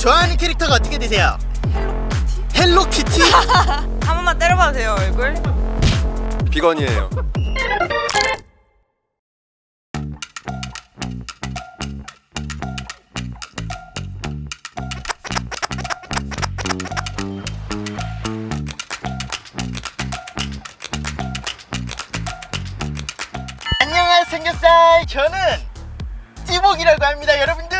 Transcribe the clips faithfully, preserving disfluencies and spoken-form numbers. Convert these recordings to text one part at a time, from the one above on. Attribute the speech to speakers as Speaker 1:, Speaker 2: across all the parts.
Speaker 1: 좋아하는 캐릭터가 어떻게 되세요? 헬로키티?
Speaker 2: 한 번만 때려봐도 돼요, 얼굴?
Speaker 3: 비건이에요.
Speaker 1: 안녕하세요 삼겹살, 저는 찌복이라고 합니다. 여러분들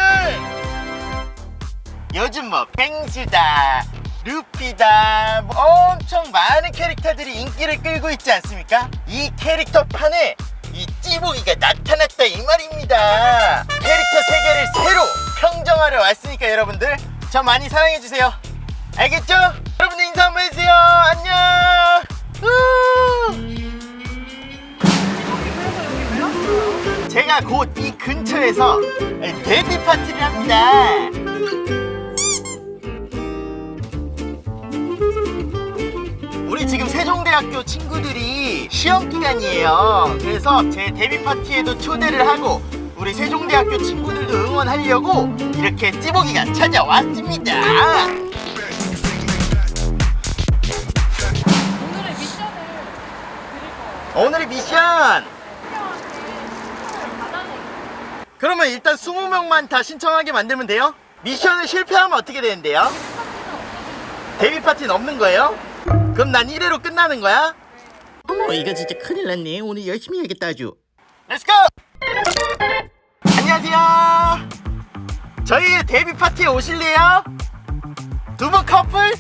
Speaker 1: 요즘 뭐 펭수다, 루피다, 뭐 엄청 많은 캐릭터들이 인기를 끌고 있지 않습니까? 이 캐릭터판에 이 찌복이가 나타났다 이 말입니다. 캐릭터 세계를 새로 평정하러 왔으니까 여러분들 저 많이 사랑해주세요. 알겠죠? 여러분들 인사 한번 해주세요. 안녕. 우! 제가 곧 이 근처에서 데뷔 파티를 합니다. 우리 지금 세종대학교 친구들이 시험 기간이에요. 그래서 제 데뷔 파티에도 초대를 하고 우리 세종대학교 친구들도 응원하려고 이렇게 찌복이가 찾아왔습니다.
Speaker 2: 오늘의 미션을 드릴 거예요.
Speaker 1: 오늘의 미션, 그러면 일단 스무 명만 다 신청하게 만들면 돼요? 미션을 실패하면 어떻게 되는데요? 데뷔 파티는 없는 거예요? 그럼 난 일 회로 끝나는 거야? 어머, 이거 진짜 큰일 났네. 오늘 열심히 해야겠다 아주. 렛츠고! 안녕하세요. 저희 데뷔 파티에 오실래요? 두 분 커플?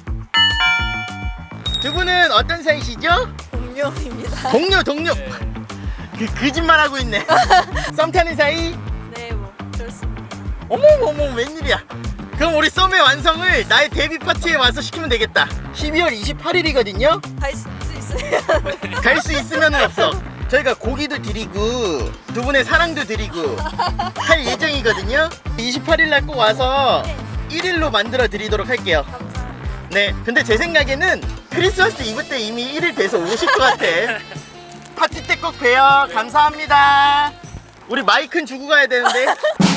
Speaker 1: 두 분은 어떤 사이시죠?
Speaker 2: 동료입니다.
Speaker 1: 동료 동료.
Speaker 2: 네.
Speaker 1: 그 거짓말하고 있네. 썸 타는 사이?
Speaker 2: 네, 뭐 그렇습니다.
Speaker 1: 어머머머, 웬일이야. 그럼 우리 썸의 완성을 나의 데뷔 파티에 와서 시키면 되겠다. 십이월 이십팔일이거든요
Speaker 2: 갈 수 있으면
Speaker 1: 갈 수 있으면은 없어. 저희가 고기도 드리고 두 분의 사랑도 드리고 할 예정이거든요. 이십팔일 날 꼭 와서 일 일로 만들어 드리도록 할게요.
Speaker 2: 감사합니다.
Speaker 1: 네, 근데 제 생각에는 크리스마스 이브 때 이미 일 일 돼서 오실 것 같아. 파티 때 꼭 봬요. 감사합니다. 우리 마이크는 주고 가야 되는데.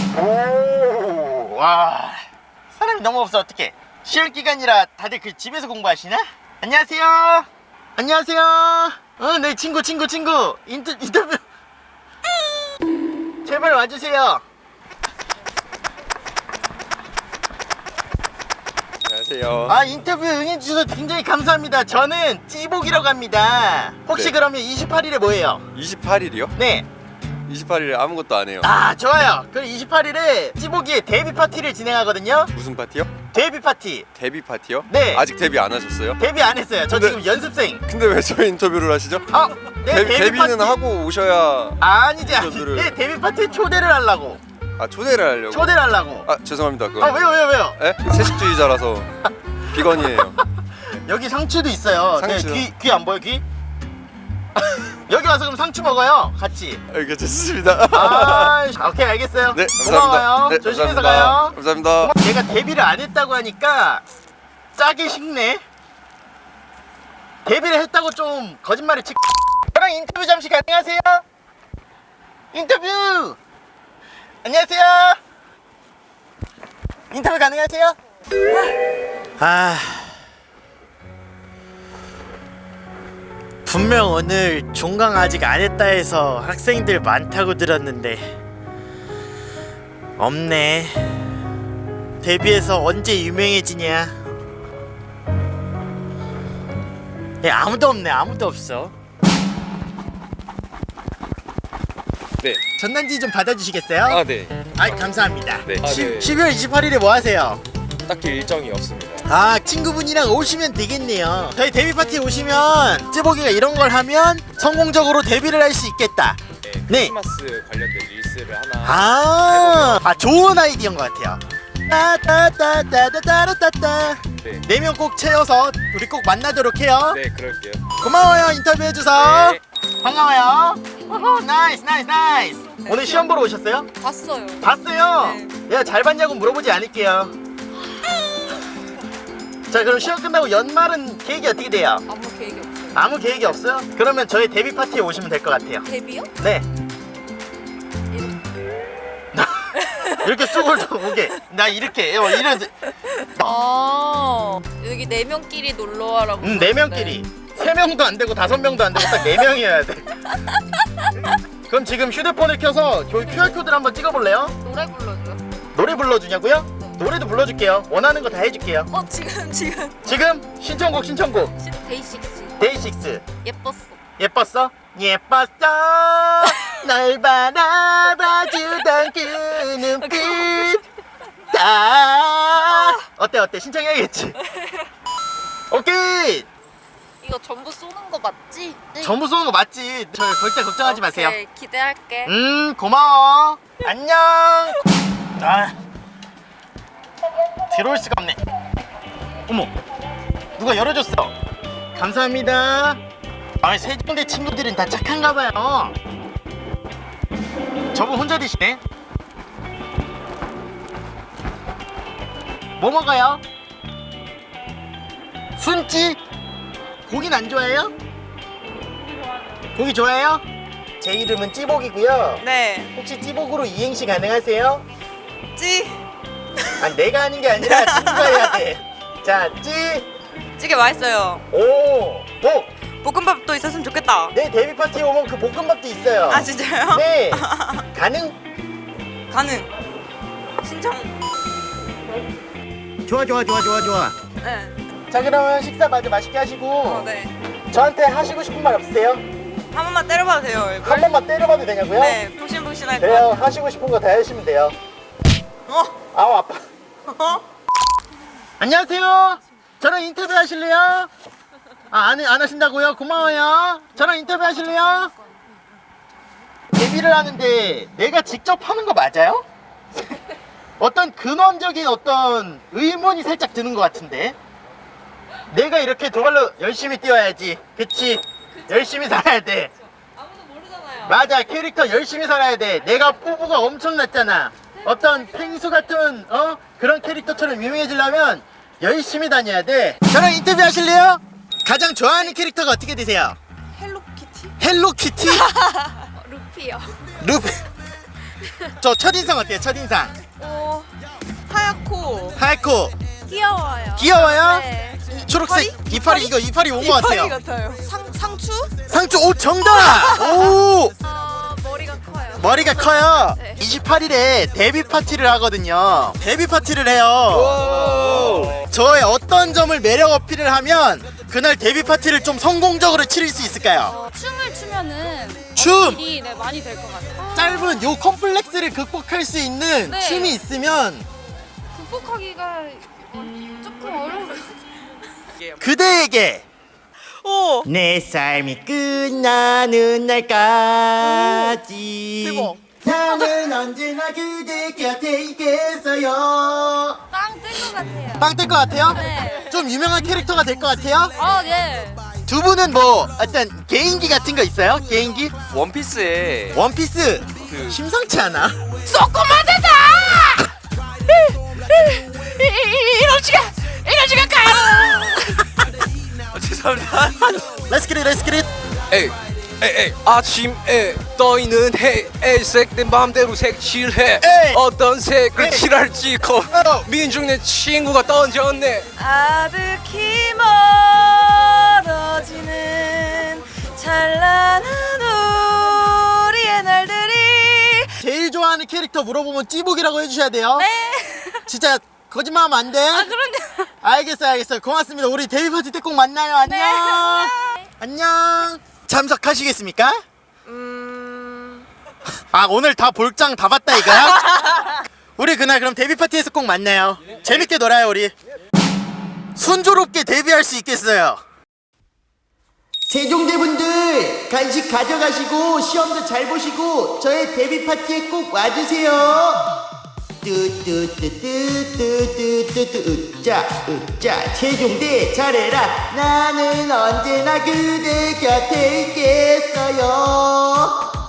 Speaker 1: 오, 와, 사람이 너무 없어. 어떡해. 시험 기간이라 다들 그 집에서 공부하시나? 안녕하세요. 안녕하세요. 어, 네, 친구 친구 친구 인터, 인터뷰 제발 와주세요.
Speaker 3: 안녕하세요.
Speaker 1: 아, 인터뷰 응해주셔서 굉장히 감사합니다. 저는 찌복이라고 합니다. 혹시
Speaker 3: 네.
Speaker 1: 그러면 이십팔일에 뭐예요?
Speaker 3: 이십팔일이요?
Speaker 1: 네.
Speaker 3: 이십팔일에 아무것도 안 해요.
Speaker 1: 아, 좋아요. 그럼 이십팔일에 찌복이의 데뷔 파티를 진행하거든요.
Speaker 3: 무슨 파티요?
Speaker 1: 데뷔 파티.
Speaker 3: 데뷔 파티요?
Speaker 1: 네.
Speaker 3: 아직 데뷔 안 하셨어요?
Speaker 1: 데뷔 안 했어요. 저
Speaker 3: 근데-
Speaker 1: 지금 연습생.
Speaker 3: 근데 왜 저희 인터뷰를 하시죠?
Speaker 1: 어, 네,
Speaker 3: 데, 데뷔는
Speaker 1: 파티.
Speaker 3: 하고 오셔야.
Speaker 1: 아니지, 아니지.
Speaker 3: 인터뷰를-
Speaker 1: 네, 데뷔 파티에 초대를 하려고.
Speaker 3: 아, 초대를 하려고.
Speaker 1: 초대를 하려고.
Speaker 3: 아, 죄송합니다. 그거.
Speaker 1: 아, 왜요, 왜요, 왜요?
Speaker 3: 에? 채식주의자라서 비건이에요.
Speaker 1: 여기 상추도 있어요.
Speaker 3: 상추요?
Speaker 1: 네, 귀, 귀 안 보여, 귀? 여기 와서 그럼 상추 먹어요. 같이.
Speaker 3: 알겠습니다.
Speaker 1: 아, 오케이, 알겠어요.
Speaker 3: 네,
Speaker 1: 고마워요.
Speaker 3: 감사합니다. 네,
Speaker 1: 조심해서
Speaker 3: 감사합니다.
Speaker 1: 가요.
Speaker 3: 감사합니다.
Speaker 1: 내가 데뷔를 안 했다고 하니까 짜게 식네. 데뷔를 했다고 좀 거짓말을 치. 저랑 인터뷰 잠시 가능하세요? 인터뷰. 안녕하세요. 인터뷰 가능하세요? 아, 분명 오늘 종강 아직 안 했다 해서 학생들 많다고 들었는데 없네. 데뷔해서 언제 유명해지냐? 예, 아무도 없네. 아무도 없어.
Speaker 4: 네.
Speaker 1: 전단지 좀 받아주시겠어요?
Speaker 4: 아, 네.
Speaker 1: 아, 감사합니다.
Speaker 4: 네. 아, 네.
Speaker 1: 십이월 이십팔일에 뭐 하세요?
Speaker 4: 딱히 일정이 없습니다.
Speaker 1: 아, 친구분이랑 오시면 되겠네요. 저희 데뷔 파티에 오시면 찌복이가 이런 걸 하면 성공적으로 데뷔를 할 수 있겠다.
Speaker 4: 네.
Speaker 1: 네.
Speaker 4: 크리스마스 관련된 릴스를 하나.
Speaker 1: 아, 아, 좋은 아이디어인 것 같아요. 따따따따따따따따.
Speaker 4: 네.
Speaker 1: 네 명 꼭 채워서 우리 꼭 만나도록 해요.
Speaker 4: 네, 그럴게요.
Speaker 1: 고마워요, 인터뷰해줘서.
Speaker 4: 네.
Speaker 1: 반가워요. 오호, 나이스 나이스 나이스. 오늘 시험 보러 오셨어요?
Speaker 2: 봤어요.
Speaker 1: 봤어요.
Speaker 2: 네.
Speaker 1: 내가 잘 봤냐고 물어보지 않을게요. 자, 그럼 시험 끝나고 연말은 계획이 어떻게 돼요?
Speaker 2: 아무 계획이 없어요.
Speaker 1: 아무 계획이 없어요? 그러면 저희 데뷔 파티에 오시면 될 것 같아요.
Speaker 2: 데뷔요?
Speaker 1: 네. 이렇게 쑥을 좀 오게. 나 이렇게 어, 이런.
Speaker 2: 아 여기 네 명끼리 놀러 와라고.
Speaker 1: 음, 네 명끼리. 세 명도 안 되고 다섯 명도 안 되고 딱 네 명이어야 돼. 그럼 지금 휴대폰을 켜서 저희 큐알 코드를 한번 찍어볼래요?
Speaker 2: 노래 불러줘요.
Speaker 1: 노래 불러주냐고요? 노래도 불러줄게요. 원하는 거 다 해줄게요.
Speaker 2: 어 지금 지금
Speaker 1: 지금 신청곡 신청곡.
Speaker 2: 데이식스
Speaker 1: 데이식스.
Speaker 2: 예뻤어.
Speaker 1: 예뻤어? 예뻤어. 널 바라봐주던 그 눈빛. 다. 어때 어때 신청해야겠지. 오케이.
Speaker 2: 이거 전부 쏘는 거 맞지?
Speaker 1: 전부 쏘는 거 맞지? 저 절대 걱정하지 마세요.
Speaker 2: 오케이, 기대할게.
Speaker 1: 음 고마워. 안녕. 아 들어올 수가 없네. 어머 누가 열어줬어. 감사합니다. 아 세종대 친구들은 다 착한가 봐요. 저분 혼자 드시네. 뭐 먹어요? 순찌? 고기는 안 좋아해요? 고기 좋아해요? 제 이름은 찌복이고요.
Speaker 2: 네.
Speaker 1: 혹시 찌복으로 이행시 가능하세요?
Speaker 2: 찌.
Speaker 1: 아니 내가 하는 게 아니라 친구가 해야 돼. 자, 찌,
Speaker 2: 찌개 맛있어요.
Speaker 1: 오, 복.
Speaker 2: 볶음밥도 있었으면 좋겠다.
Speaker 1: 내 데뷔 파티에 오면 그 볶음밥도 있어요.
Speaker 2: 아 진짜요?
Speaker 1: 네. 가능?
Speaker 2: 가능. 신청.
Speaker 1: 좋아, 좋아, 좋아, 좋아, 좋아.
Speaker 2: 네.
Speaker 1: 자, 그러면 식사 마저 맛있게 하시고
Speaker 2: 어, 네.
Speaker 1: 저한테 하시고 싶은 말 없으세요?
Speaker 2: 한 번만 때려봐도 돼요, 얼굴?
Speaker 1: 한 번만 때려봐도 되냐고요?
Speaker 2: 네, 푹신푹신할 것
Speaker 1: 그래요.
Speaker 2: 같아요.
Speaker 1: 하시고 싶은 거 다 하시면 돼요.
Speaker 2: 어?
Speaker 1: 아우 아파.
Speaker 2: 어?
Speaker 1: 안녕하세요. 저랑 인터뷰 하실래요? 아, 안, 안 하신다고요? 고마워요. 저랑 인터뷰 하실래요? 데뷔를 하는데 내가 직접 하는 거 맞아요? 어떤 근원적인 어떤 의문이 살짝 드는 것 같은데. 내가 이렇게 정말로 열심히 뛰어야지. 그치? 열심히 살아야 돼.
Speaker 2: 아무도 모르잖아요.
Speaker 1: 맞아, 캐릭터 열심히 살아야 돼. 내가 뽀뽀가 엄청났잖아. 어떤 펭수 같은 어 그런 캐릭터처럼 유명해지려면 열심히 다녀야 돼. 저랑 인터뷰 하실래요? 가장 좋아하는 캐릭터가 어떻게 되세요?
Speaker 2: 헬로키티?
Speaker 1: 헬로키티?
Speaker 2: 루피요.
Speaker 1: 루피. 저 첫인상 어때요? 첫인상.
Speaker 2: 오, 하얗고
Speaker 1: 하얗고
Speaker 2: 귀여워요.
Speaker 1: 귀여워요?
Speaker 2: 네.
Speaker 1: 초록색 이파리 이거 이파리 온 것 같아요.
Speaker 2: 이파리 같아요. 상, 상추?
Speaker 1: 상추 오 정답. 오
Speaker 2: 아, 머리가 커요.
Speaker 1: 머리가 커요.
Speaker 2: 네.
Speaker 1: 이십팔 일에 데뷔 파티를 하거든요. 데뷔 파티를 해요. 저의 어떤 점을 매력 어필을 하면 그날 데뷔 파티를 좀 성공적으로 치를 수 있을까요?
Speaker 5: 어, 춤을 추면은
Speaker 1: 춤!
Speaker 5: 어필이 네, 많이 될 것 같아요.
Speaker 1: 짧은 요 컴플렉스를 극복할 수 있는
Speaker 5: 네.
Speaker 1: 춤이 있으면
Speaker 5: 극복하기가 조금 어려울 것 같아요.
Speaker 1: 그대에게
Speaker 2: 오!
Speaker 1: 내 삶이 끝나는 날까지
Speaker 2: 대박.
Speaker 1: 나는 언제나 그대 곁에 있겠어요.
Speaker 5: 빵 뜰 것 같아요.
Speaker 1: 빵 뜰 것 같아요?
Speaker 5: 네.
Speaker 1: 좀 유명한 캐릭터가 될 것 같아요?
Speaker 5: 아, 예.
Speaker 1: 두 분은 뭐 어떤 개인기 같은 거 있어요? 개인기?
Speaker 3: 원피스에
Speaker 1: 원피스
Speaker 3: 그
Speaker 1: 심상치 않아.
Speaker 5: 조그마대다! 이러지가 이러지가 가요.
Speaker 3: 아, 죄송합니다.
Speaker 1: Let's get it, let's get it.
Speaker 3: 에이 에이 에이 아침에 떠있는 해에 색된 맘대로 색칠해.
Speaker 1: 에이.
Speaker 3: 어떤 색을
Speaker 1: 에이.
Speaker 3: 칠할지 거
Speaker 1: 어.
Speaker 3: 민중 내 친구가 던졌네.
Speaker 2: 아득히 멀어지는 찬란한 우리의 날들이.
Speaker 1: 제일 좋아하는 캐릭터 물어보면 찌복이라고 해주셔야 돼요.
Speaker 2: 네.
Speaker 1: 진짜 거짓말하면 안 돼.
Speaker 2: 아, 그런데.
Speaker 1: 알겠어요, 알겠어요. 고맙습니다. 우리 데뷔 파티 때 꼭 만나요. 안녕.
Speaker 2: 네.
Speaker 1: 안녕. 참석하시겠습니까?
Speaker 2: 음.
Speaker 1: 아 오늘 다 볼장 다 봤다 이거야? 우리 그날 그럼 데뷔 파티에서 꼭 만나요. 재밌게 놀아요 우리. 순조롭게 데뷔할 수 있겠어요. 세종대분들 간식 가져가시고 시험도 잘 보시고 저의 데뷔 파티에 꼭 와주세요. 뚜뚜뚜뚜뚜뚜뚜뚜 으짜 으짜 세종대 잘해라. 나는 언제나 그대 곁에 있겠어요.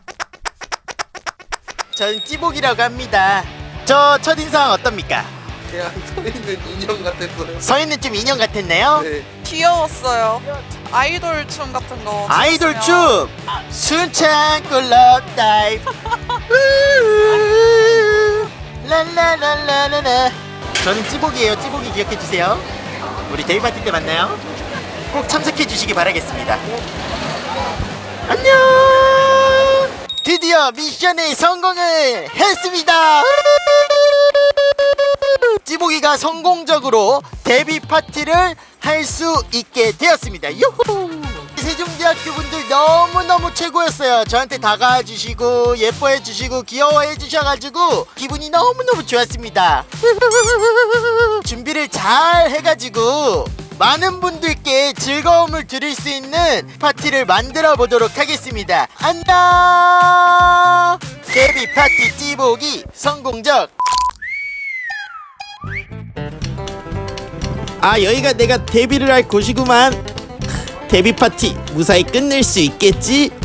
Speaker 1: 전 찌복이라고 합니다. 저 첫인상 어떻습니까?
Speaker 3: 그냥 서 있는 인형 같았어요.
Speaker 1: 서인은 좀 인형 같았네요.
Speaker 3: 네.
Speaker 6: 귀여웠어요. 아이돌 춤 같은 거.
Speaker 1: 아이돌
Speaker 6: 췄으면.
Speaker 1: 춤 순창 꿀럽 다이브 랄랄랄랄라. 저는 찌복이에요. 찌복이 기억해 주세요. 우리 데이 파티 때 만나요. 꼭 참석해 주시기 바라겠습니다. 안녕. 드디어 미션에 성공을 했습니다. 찌복이가 성공적으로 데뷔 파티를 할 수 있게 되었습니다. 유후! 세종대학교 분들 너무너무 최고였어요. 저한테 다가와 주시고 예뻐해 주시고 귀여워해 주셔가지고 기분이 너무너무 좋았습니다. 준비를 잘 해가지고 많은 분들께 즐거움을 드릴 수 있는 파티를 만들어 보도록 하겠습니다. 안녕. 데뷔 파티 찌복이 성공적. 아, 여기가 내가 데뷔를 할 곳이구만. 데뷔 파티 무사히 끝낼 수 있겠지?